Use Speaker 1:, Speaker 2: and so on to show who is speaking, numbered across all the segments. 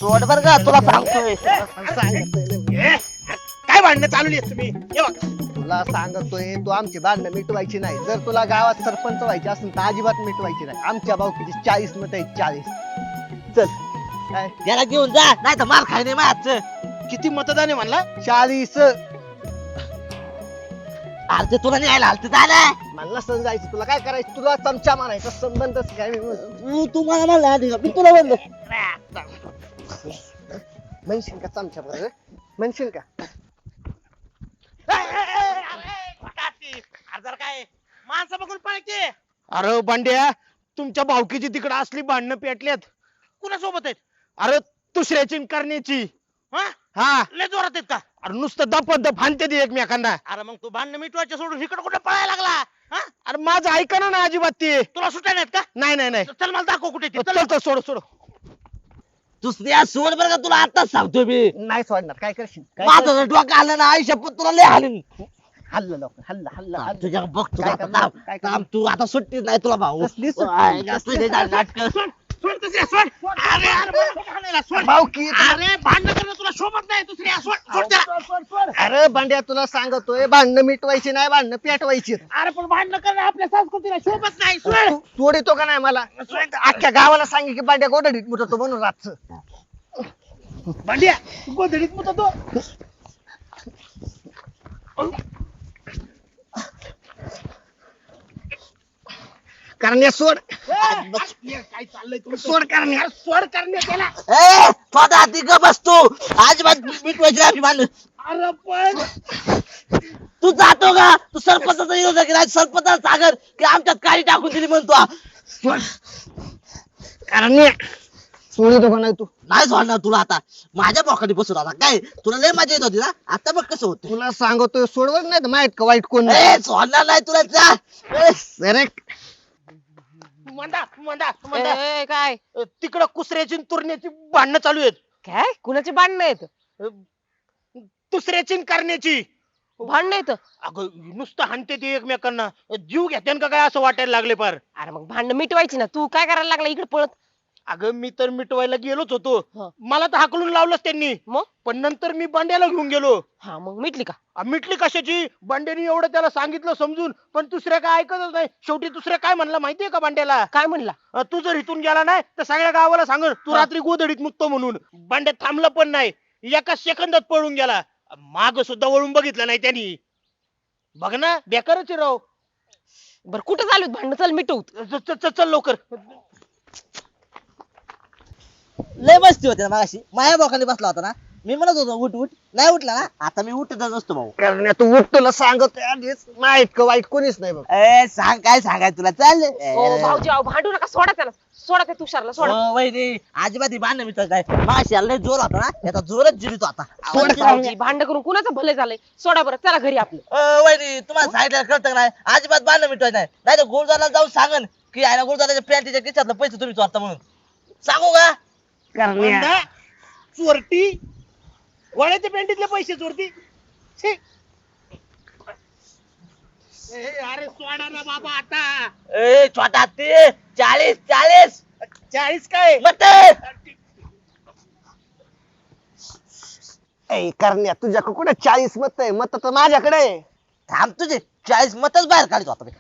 Speaker 1: सोड बर का तुला सांगतोय.
Speaker 2: काय भांडणं चालवली तुम्ही हे बघ.
Speaker 3: तुला सांगतोय तू आमची भांडणं मिटवायची नाही. जर तुला गावात सरपंच व्हायचे असेल तर अजिबात मिटवायची नाही. आमच्या भाऊकीची 40 मत आहेत 40. चल काय
Speaker 1: याला घेऊन जा नाही तर मार खाय नाही माझं.
Speaker 2: किती मतदान आहे म्हणला?
Speaker 3: 40.
Speaker 1: अरे ते तुला न्यायला आलत झालं.
Speaker 3: मला समजायचं तुला काय करायचं. तुला चमचा मारायचा संबंधच काय मी
Speaker 1: तू मला म्हणला आधी का? मी तुला म्हणलो
Speaker 3: म्हणशील का चमचा बरं म्हणशील का.
Speaker 2: जर काय माणसं बघून पळते. अरे बांड्या तुमच्या भावकीची तिकडे असली भांडणं पेटल्यात. कुणासोबत आहेत? अरे दुसऱ्याची करण्याची. हा लय जोरात आहेत का? अरे नुसतं दप हाणते ती एकमेकांना. अरे मग तू भांडणं मिटवायचं सोडून इकडे कुठे पळायला लागला? अरे माझं ऐका ना अजिबात ते. तुला सुट्या नाहीत का? नाही नाही नाही. चल मला दाखव कुठे ते. चल सोड सोड.
Speaker 1: दुसऱ्या सोड बर का तुला आताच सांगतोय मी.
Speaker 3: नाही सोडणार. काय करशील
Speaker 1: माझं जर डोकं आलं ना आयुष्य पण तुला लय हालेन.
Speaker 3: हल्ल लवकर हल्ल हल्ल हल्ल.
Speaker 1: तुझ्या बघतो
Speaker 3: काय
Speaker 1: आता
Speaker 3: करणार?
Speaker 1: थांब.
Speaker 3: काय
Speaker 1: थांब तू आता सुट्टीच नाही तुला भाऊ.
Speaker 3: कसली सुट्टी?
Speaker 1: काय जास्त नाही झालं नाटकं.
Speaker 2: सोड दुसऱ्या सोड. अरे अरे मला कुठं हाणायला? सोड.
Speaker 3: भाऊकी
Speaker 2: अरे भांडण करणं तुला शोभत नाही. दुसऱ्या सोड सोड त्याला.
Speaker 3: अरे भांड्या तुला सांगतोय भांडणं मिटवायची नाही भांडणं पेटवायची.
Speaker 2: अरे पण भांडण करणं आपल्या संस्कृतीला शोभत नाही. सोड.
Speaker 3: तोड येतो का नाही मला. अख्ख्या गावाला सांगे की भांड्या गोडडीत मुततो म्हणून रातचं.
Speaker 2: भांड्या तू गोधडीत मुततो.
Speaker 3: करण्या सोड.
Speaker 2: काय चाललंय तुमचं?
Speaker 3: सोड करण्या.
Speaker 2: सोड करणे त्याला.
Speaker 1: ए स्वतः ती ग बसतो अजिबात मिटवायची नाही आपली भांडण.
Speaker 2: अरे पण
Speaker 1: तू जातो का? तू सरपंचाचा विरोध केला सरपंचाला सागर की आमच्यात काळी टाकून दिली म्हणतो.
Speaker 3: करण्या सोड येतो का नाही तू.
Speaker 1: नाही सोडणार तुला आता. माझ्या बोकाडी बसून आता काय तुला लय मजा येत होती ना. आता बघ कसं होत.
Speaker 3: तुला सांगतोय सोडवत नाही तर माहित का वाईट कोण नाही.
Speaker 1: ए सोडणार नाही तुला जा. ए,
Speaker 3: अरे
Speaker 2: मंदा मंदा मंदा
Speaker 4: काय
Speaker 2: तिकडं कुसऱ्याची आणि तुरण्याची भांडणं चालू आहेत.
Speaker 4: काय कुणाची भांडणं आहेत?
Speaker 2: दुसऱ्याची आणि करण्याची.
Speaker 4: भांडणं आहेत?
Speaker 2: अगं नुसतं हाणते ते एकमेकांना. जीव घेते का काय असं वाटायला लागले पार.
Speaker 4: अरे मग भांडणं मिटवायची ना. तू काय करायला लागला इकडे पळत?
Speaker 2: अगं मी तर मिटवायला गेलोच होतो.
Speaker 4: हं.
Speaker 2: मला तर हाकलून लावलंच त्यांनी.
Speaker 4: मग
Speaker 2: पण नंतर मी बांड्याला घेऊन गेलो.
Speaker 4: हा मग मिटली का?
Speaker 2: मिटली कशाची? बांड्याने एवढं त्याला सांगितलं समजून पण दुसऱ्या काय ऐकतच नाही. शेवटी दुसऱ्या काय म्हणला माहितीये का बांड्याला?
Speaker 4: काय म्हणला?
Speaker 2: तू जर इथून गेला नाही तर सगळ्या गावाला सांग तू रात्री गोधडीत मुकतो म्हणून. बांड्या थांबला पण नाही. एका सेकंदात पळून गेला. माग सुद्धा वळून बघितलं नाही त्यांनी. बघ ना बेकारच आहे राव.
Speaker 4: बरं कुठं चालू आहेत भांडणं? चल मिटवू.
Speaker 2: चल लवकर.
Speaker 1: लय मस्ती होते ना मगाशी. माझ्या बोकाडी बसला होता ना. मी म्हणत होतो उठ उठ नाही उठला ना. आता मी उठतच असतो भाऊ.
Speaker 3: करण्या तू उठ. तुला सांगतोय आधीच माहित का वाईट कोणीच नाही बघ.
Speaker 1: ए सांग काय सांगाय तुला चाल.
Speaker 4: ओ भाऊजी अहो भांडू नका. सोडा त्याला. सोडा त्या तुषारला सोडा.
Speaker 1: वहिनी अजिबात ही भांडण मिटत नाही. मागाशी याला लय जोर होता ना. याचा जोरच जिरितो आता.
Speaker 4: सोड भाऊजी. भांडण करून कुणाचं भलं झालंय? सोडा बरं. चला घरी आपलं.
Speaker 1: वहिनी तुम्हाला सांगितलं कळतं का नाही. अजिबात भांडण मिटवायचं नाही. नाही तर गुरुद्वाराला जाऊन सांगन की आहे ना गुरुद्वाराच्या पॅन्टीच्या खिशातलं पैसे तुम्ही चोरता म्हणून. सांगू का?
Speaker 3: करण्या
Speaker 2: मंदा, चोरटी वळ्याच्या पेंटीतले पैसे चोरती. छी. अरे सोडा ना बाबा आता.
Speaker 1: ए छोटा ते 40
Speaker 2: 40 काय?
Speaker 1: मत
Speaker 3: ए करण्या तुझ्याकडे कुठे 40 मत आहे. मत तर माझ्याकडे आहे.
Speaker 1: थांब तुझे 40 मतच बाहेर काढतो आता मी.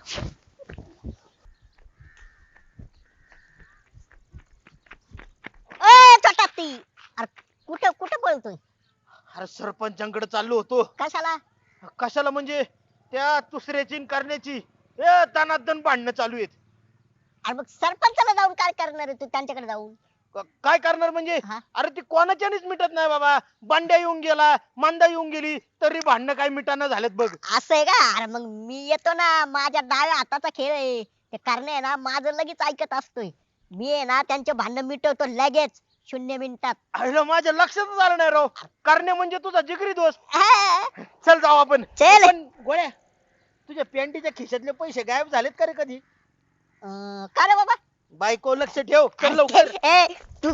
Speaker 5: अरे कुठं कुठं बोलतोय?
Speaker 2: अरे सरपंचांकडे चाललो होतो.
Speaker 5: कशाला?
Speaker 2: कशाला म्हणजे त्या दुसऱ्याची करण्याची तनातन भांडणं चालू आहेत.
Speaker 5: अरे मग सरपंचाला जाऊन काय करणार आहे तू त्यांच्याकडे जाऊन?
Speaker 2: काय करणार म्हणजे?
Speaker 5: हा?
Speaker 2: अरे ती कोणाच्यानेच मिटत नाही बाबा. बांड्या येऊन गेला, मांदा येऊन गेली तरी भांडणं काय मिटाना झालेत बघ.
Speaker 5: असं आहे का? अरे मग मी येतो ना. माझ्या डाव्या हाताचा खेळ आहे ते. करणे आहे ना माझं लगेच ऐकत असतोय. मी आहे ना त्यांचे भांडण मिटवतो लगेच 0 मिनिटात.
Speaker 2: अरे माझ्या लक्षातच आलं नाही राव. करणे म्हणजे तुझा जिगरी दोस्त.
Speaker 5: हा,
Speaker 2: चल जाऊ आपण.
Speaker 5: चल.
Speaker 2: पण गोळ्या तुझ्या पॅन्टीच्या खिशातले पैसे गायब झालेत का रे कधी?
Speaker 5: का रे बाबा?
Speaker 2: बायको लक्ष ठेव. चल लवकर.
Speaker 5: ए तू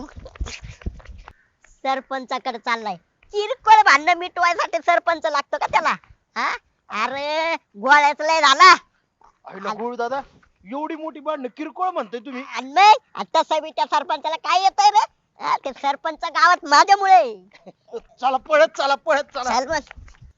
Speaker 5: सरपंचाकडे चाललाय. किरकोळ भांडण मिटवायसाठी सरपंच लागतो का त्याला? हा? अरे गोळ्याच लय झाला.
Speaker 2: अरे गुळ दादा एवढी मोठी भांडणं किरकोळ म्हणतोय तुम्ही?
Speaker 5: आणि मग तसं बी त्या सरपंचाला काय येतंय रे? ते सरपंच गावात माझ्यामुळे.
Speaker 2: चला पळत चला पळत चला.
Speaker 5: चल बस.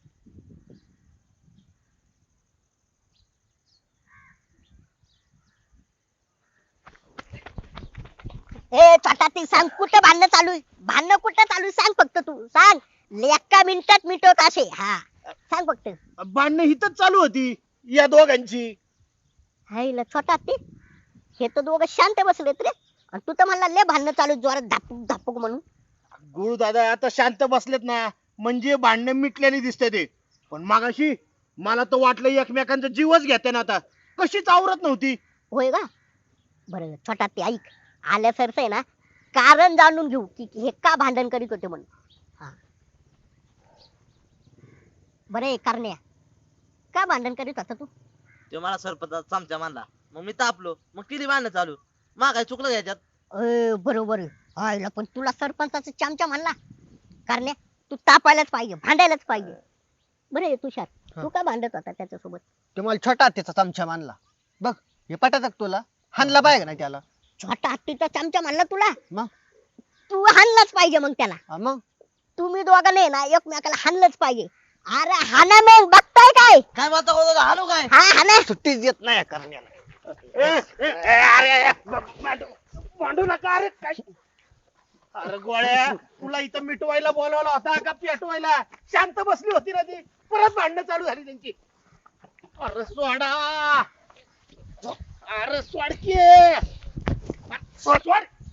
Speaker 5: ए छोटा ती सांग कुठं भांडणं चालू आहे? भांडणं कुठं चालू आहे? सांग फक्त तू सांग. एका मिनिटात मिटवत असे. हा सांग फक्त.
Speaker 2: भांडणं हिथंच चालू होती या दोघांची.
Speaker 5: हायला छोटा ती हे तर दोघं शांत बसलेत रे. आणि तू तर म्हणला लय भांडणं चालू आहेत, जोरात धापूक धापूक म्हणून.
Speaker 2: गुरु दादा आता शांत बसलेत ना म्हणजे भांडणं मिटल्याने दिसते ते. पण मागाशी मला तर वाटलं एकमेकांचा जीवच घेते ना आता. कशीच आवरत नव्हती.
Speaker 5: होय का? बरं छोटा ते ऐक, आल्या सरस आहे ना कारण जाणून घेऊ की हे का भांडण करीत होते म्हणून. हा बरे करण्या का भांडण करीत होता तू?
Speaker 1: तो मला सरपंचाचा चमचा मानला, मग मी तापलो, मग केली भांडणं चालू. मग काय चुकलं याच्यात?
Speaker 5: बरोबर आयला पण तुला सरपंचाचा चमचा म्हणला. करण्या तू तापायलाच पाहिजे, भांडायलाच पाहिजे. बरे तुषार तू का भांडत होता त्याच्यासोबत?
Speaker 3: ते मला छोटा हत्तीचा चमचा मानला. बघ हे पटत तुला? हाणला पाहिजे ना त्याला.
Speaker 5: छोटा हत्तीचा चमचा म्हणला तुला?
Speaker 3: मग
Speaker 5: तू हाणलाच पाहिजे मग त्याला.
Speaker 3: मग
Speaker 5: तुम्ही दोघांनी ना एकमेकाला हाणलंच पाहिजे. अरे हाना मग बघताय काय?
Speaker 1: काय म्हणता गोदा, हाणू काय?
Speaker 5: हा हाना.
Speaker 3: सुट्टीच देत नाही या करण्याला.
Speaker 2: अरे भांडू नका अरे काय. अरे गोळ्या तुला इथं मिटवायला बोलवला होता का पेटवायला? शांत बसली होती ना ती, परत भांडणं चालू झाली त्यांची. अरे सोडा, अरे सोड की. सोड.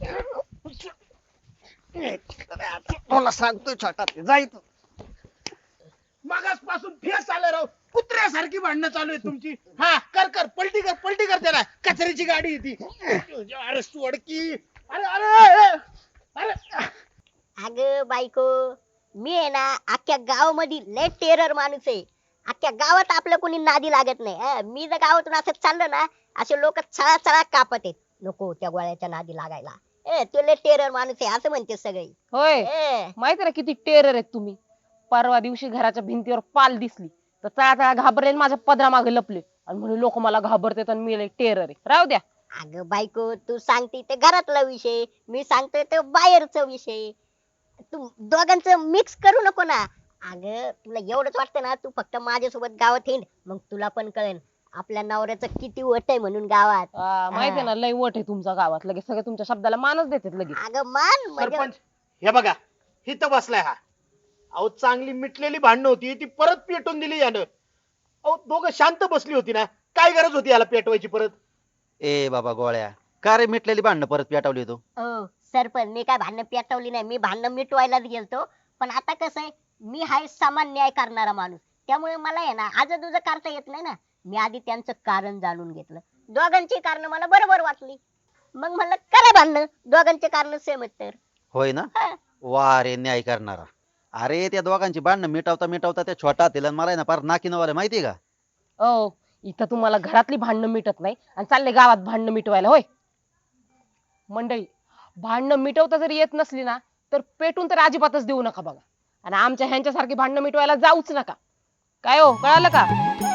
Speaker 3: तुला सांगतोय छोटा हत्ती जायचं.
Speaker 2: मागासपासून फेस आलं राव, कुत्र्यासारखी भांडणं चालू आहे तुमची. हा कर पलटी कर त्याला. कचऱ्याची गाडी येते. अरे सोड की. अरे अरे अरे
Speaker 5: अग बायको मी आहे ना अख्ख्या गावामध्ये लय टेरर माणूस आहे. अख्ख्या गावात आपलं कोणी नादी लागत नाही. मी जर गावातून असं चाललं ना असे लोक चळा चळा कापत आहेत. नको त्या गोळ्याच्या नादी लागायला. तू लय टेरर माणूस आहे असं म्हणते सगळे.
Speaker 4: होय माहिती ना किती टेरर आहेत तुम्ही. परवा दिवशी घराच्या भिंतीवर पाल दिसली तर चळा चळा घाबरले आणि माझ्या पदरा मागे लपले आणि म्हणून लोक मला घाबरतात आणि मी टेरर आहे. राहू द्या.
Speaker 5: अगं बायको तू सांगते ते घरातला विषय, मी सांगतोय ते बाहेरचा विषय. तू दोघांचं मिक्स करू नको ना. अगं तुला एवढंच वाटतं ना तू फक्त माझ्यासोबत गावात हिंड, मग तुला पण कळेल आपल्या नवऱ्याचं किती वट आहे म्हणून गावात.
Speaker 4: माहिती आहे ना लय वट आहे तुमचा गावात. लगेच सगळे तुमच्या शब्दाला मानच देतात लगेच.
Speaker 5: अगं मान म्हणजे
Speaker 2: सरपंच हे बघा इथं बसलाय हा. अहो चांगली मिटलेली भांडणं होती ती परत पेटून दिली यानं. अहो दोघं शांत बसली होती ना, काय गरज होती याला पेटवायची परत?
Speaker 6: ए बाबा गोळ्या, का रे मिटलेली भांडणं परत पेटवली तू?
Speaker 5: सरपंच मी काय भांडणं पेटवली नाही, मी भांडणं मिटवायलाच गेलतो. पण आता कसं आहे मी हाय समान न्याय करणारा माणूस, त्यामुळे मला आहे ना आजूबाजूचं करता येत नाही ना. मी आधी त्यांचं कारण जाणून घेतलं, दोघांची कारण मला बरोबर वाटली, मग म्हणलं करा भांडणं, दोघांचे कारण सेम आहेत तर.
Speaker 6: होय ना?
Speaker 5: हा.
Speaker 6: वा रे न्याय करणारा. अरे त्या दोघांची भांडणं मिटवता त्या छोटा तिला मला आहे ना फार नाकीनवाले माहितीये का?
Speaker 4: इथं तुम्हाला घरातली भांडणं मिटत नाही आणि चालले गावात भांडणं मिटवायला. होय मंडळी, भांडणं मिटवता जरी येत नसली ना तर पेटून तर अजिबातच देऊ नका बघा. आणि आमच्या ह्यांच्यासारखी भांडणं मिटवायला जाऊच नका. काय हो, कळालं का?